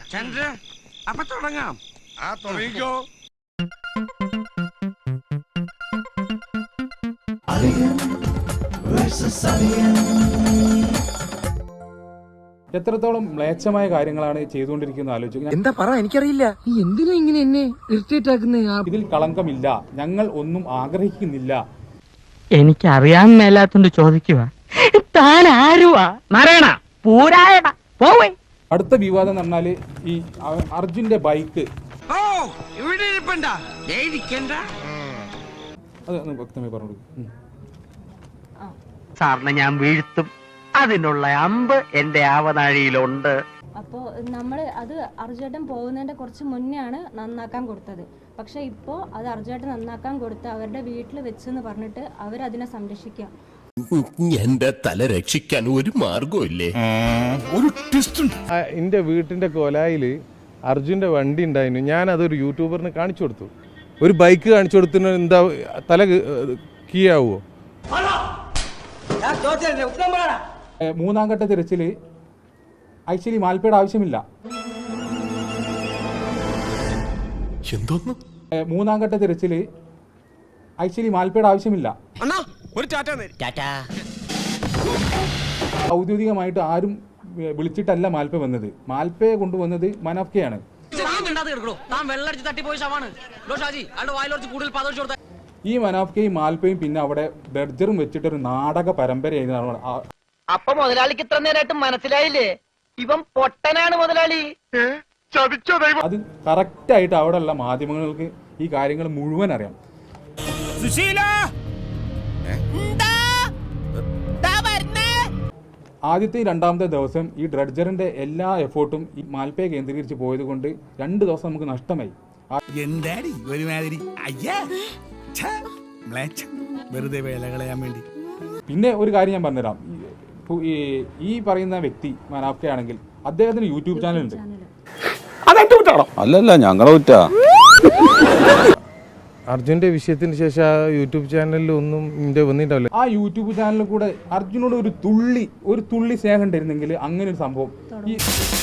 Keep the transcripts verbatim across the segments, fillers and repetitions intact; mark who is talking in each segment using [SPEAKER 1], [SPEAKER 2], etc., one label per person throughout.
[SPEAKER 1] ചന്ദ്ര അപ്പൊ തുടങ്ങാം.
[SPEAKER 2] ആ തുടങ്ങിക്കോ.
[SPEAKER 3] എത്രത്തോളം മ്ലേച്ഛമായ കാര്യങ്ങളാണ് ചെയ്തുകൊണ്ടിരിക്കുന്നത് ആലോചിക്കുക.
[SPEAKER 4] എന്താ പറ, എനിക്കറിയില്ല. നീ എന്തിനാ ഇങ്ങനെ എന്നെ ഇറിറ്റേറ്റ് ആക്കുന്നേ?
[SPEAKER 3] ഇതിൽ കളങ്കമില്ല, ഞങ്ങൾ ഒന്നും ആഗ്രഹിക്കുന്നില്ല.
[SPEAKER 5] എനിക്കറിയാൻ മേലാത്തോണ്ട് ചോദിക്കുക, താൻ ആരുവാ? മറയണ പൂരായണ പോവേ.
[SPEAKER 3] അടുത്ത വിവാദം എന്ന് പറഞ്ഞാല് ഈ അർജുന്റെ ബൈക്ക്.
[SPEAKER 1] ഓ ഇവിടെ ഇരിപ്പണ്ട, ഇരിക്കണ്ട.
[SPEAKER 3] അത് വ്യക്തമായി പറഞ്ഞു.
[SPEAKER 5] സാറിനെ ഞാൻ വീഴ്ത്തും, അതിനുള്ള അമ്പ് എന്റെ ആവനാഴിയിലുണ്ട്.
[SPEAKER 6] അപ്പോൾ നമ്മൾ അത് അർജുവേട്ടൻ പോകുന്നതിന്റെ കുറച്ച് മുന്നെയാണ് നന്നാക്കാൻ കൊടുത്തത്. പക്ഷെ ഇപ്പോൾ അത് അർജുവേട്ടൻ നന്നാക്കാൻ കൊടുത്ത് അവരുടെ വീട്ടിൽ വെച്ചെന്ന് പറഞ്ഞിട്ട് അവരതിനെ സംരക്ഷിക്കുക.
[SPEAKER 7] എന്റെ തല രക്ഷിക്കാൻ ഒരു മാർഗമില്ലേ?
[SPEAKER 2] ഒരു ട്വിസ്റ്റ് ഉണ്ട്.
[SPEAKER 8] എൻ്റെ വീട്ടിൻ്റെ കൊലായില് അർജുൻ്റെ വണ്ടി ഉണ്ടായിരുന്നു. ഞാൻ അതൊരു യൂട്യൂബറിന് കാണിച്ചു കൊടുത്തു. ഒരു ബൈക്ക് കാണിച്ചു കൊടുത്തിന് എന്താ തല കീ ആവുമോ?
[SPEAKER 3] മൂന്നാം ഘട്ട തിരച്ചില് ആക്ച്വലി മാൽപ്പയുടെ ആവശ്യമില്ല.
[SPEAKER 7] എന്തോന്നു?
[SPEAKER 3] മൂന്നാം ഘട്ട തിരച്ചില് ആക്ച്വലി മാൽപ്പയുടെ ആവശ്യമില്ല.
[SPEAKER 2] ഒരു ടാറ്റ.
[SPEAKER 3] ഔദ്യോഗികമായിട്ട് ആരും വിളിച്ചിട്ടല്ല മാൽപ്പ വന്നത്. മാൽപ്പയെ കൊണ്ടുവന്നത് മനാഫ്കയാണ്. ഈ മനാഫ്കയും മാൽപ്പയും പിന്നെ അവിടെ ഡർജറും വെച്ചിട്ടൊരു നാടക പരമ്പരയായിരുന്നു.
[SPEAKER 5] അപ്പൊ മുതലാളിക്ക് ഇത്ര നേരമായിട്ട് മനസ്സിലായില്ലേ, ഇവൻ പൊട്ടനാണ് മുതലാളി.
[SPEAKER 3] അത് കറക്റ്റ് ആയിട്ട് അവിടെയുള്ള മാധ്യമങ്ങൾക്ക് ഈ കാര്യങ്ങൾ മുഴുവൻ അറിയാം. ആദ്യത്തെ രണ്ടാമത്തെ ദിവസം ഈ ഡ്രഡ്ജറിന്റെ എല്ലാ എഫേർട്ടും ഈ മാൽപ്പയെ കേന്ദ്രീകരിച്ച് പോയത് കൊണ്ട് രണ്ട് ദിവസം നമുക്ക് നഷ്ടമായി.
[SPEAKER 2] എന്താടി ഒരുമാതിരി വെറുതെ വേല കളയാൻ വേണ്ടി.
[SPEAKER 3] പിന്നെ ഒരു കാര്യം ഞാൻ പറഞ്ഞുതരാം. ഈ പറയുന്ന വ്യക്തി മനാഫ്ക ആണെങ്കിൽ അദ്ദേഹത്തിന് യൂട്യൂബ് ചാനൽ ഉണ്ട്.
[SPEAKER 9] അല്ലല്ല ഞങ്ങളെ കുറ്റ.
[SPEAKER 8] അർജുൻ്റെ വിഷയത്തിന് ശേഷം ആ യൂട്യൂബ് ചാനലിൽ ഒന്നും എൻ്റെ വന്നിട്ടുണ്ടാവില്ല.
[SPEAKER 3] ആ യൂട്യൂബ് ചാനലിൽ കൂടെ അർജുനോട് ഒരു തുള്ളി ഒരു തുള്ളി സ്നേഹം ഉണ്ടായിരുന്നെങ്കിൽ അങ്ങനെ ഒരു സംഭവം ഈ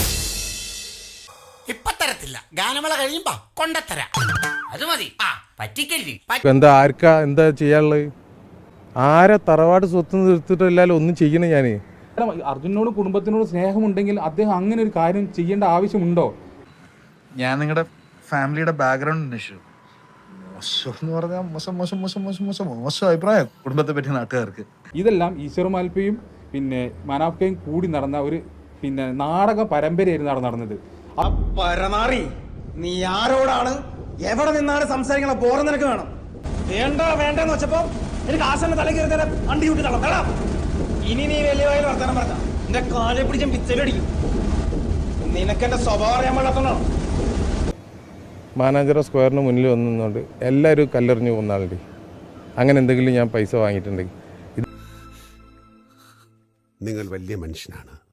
[SPEAKER 1] ഇപ്പൊ തരത്തില്ല, ഗാനമേള കഴിയുമ്പോ കൊണ്ടത്തരാം. അത് മതി, പറ്റിക്കല്ലേ.
[SPEAKER 8] എന്താ ആർക്കാ എന്താ ചെയ്യാനുള്ളത്? ആരെ തറവാട് സ്വത്ത് നിർത്തിയിട്ടല്ലാലും ഒന്നും ചെയ്യണേ. ഞാൻ
[SPEAKER 3] അർജുനോട് കുടുംബത്തിനോട് സ്നേഹമുണ്ടെങ്കിൽ അദ്ദേഹം അങ്ങനെ ഒരു കാര്യം ചെയ്യേണ്ട ആവശ്യമുണ്ടോ?
[SPEAKER 10] ഞാൻ നിങ്ങളുടെ ഫാമിലിയുടെ ബാക്ക്ഗ്രൗണ്ട് അന്വേഷിച്ചു. മോശം എന്ന് പറഞ്ഞാൽ മോശം മോശം മോശം മോശം മോശം മോശം അഭിപ്രായം കുടുംബത്തെ പറ്റി നാട്ടുകാർക്ക്.
[SPEAKER 3] ഇതെല്ലാം ഈശ്വർ മാൽപ്പയും പിന്നെ മനാഫ്കയും കൂടി നടന്ന ഒരു പിന്നെ നാടക പരമ്പരയായിരുന്നു അവിടെ നടന്നത്.
[SPEAKER 4] പരമാറി, നീ ആരോടാണ് എവിടെ നിന്നാണ് സംസാരിക്കണ? ബോറ നിനക്ക് വേണം. വേണ്ട വേണ്ടെന്ന് വെച്ചപ്പോ എനിക്ക് ആശാന്റെ തല കയറി തന്നെ അണ്ടി കൂട്ടി തള്ളാം. ഇനി നീ വലിയ വായിൽ വർത്തമാനം പറഞ്ഞ എന്റെ കാലെ പിടിച്ചും പിച്ചലടിക്കും. നിനക്കെന്റെ സ്വഭാവം അറിയാൻ പാടാത്തോണ്ടാണ്.
[SPEAKER 8] മാനാഞ്ചിറ സ്ക്വയറിന് മുന്നിൽ വന്നുകൊണ്ട് എല്ലാവരും കല്ലെറിഞ്ഞു പോകുന്നാളുണ്ട്. അങ്ങനെ എന്തെങ്കിലും ഞാൻ പൈസ വാങ്ങിയിട്ടുണ്ടെങ്കിൽ
[SPEAKER 7] നിങ്ങൾ വലിയ മനുഷ്യനാണ്.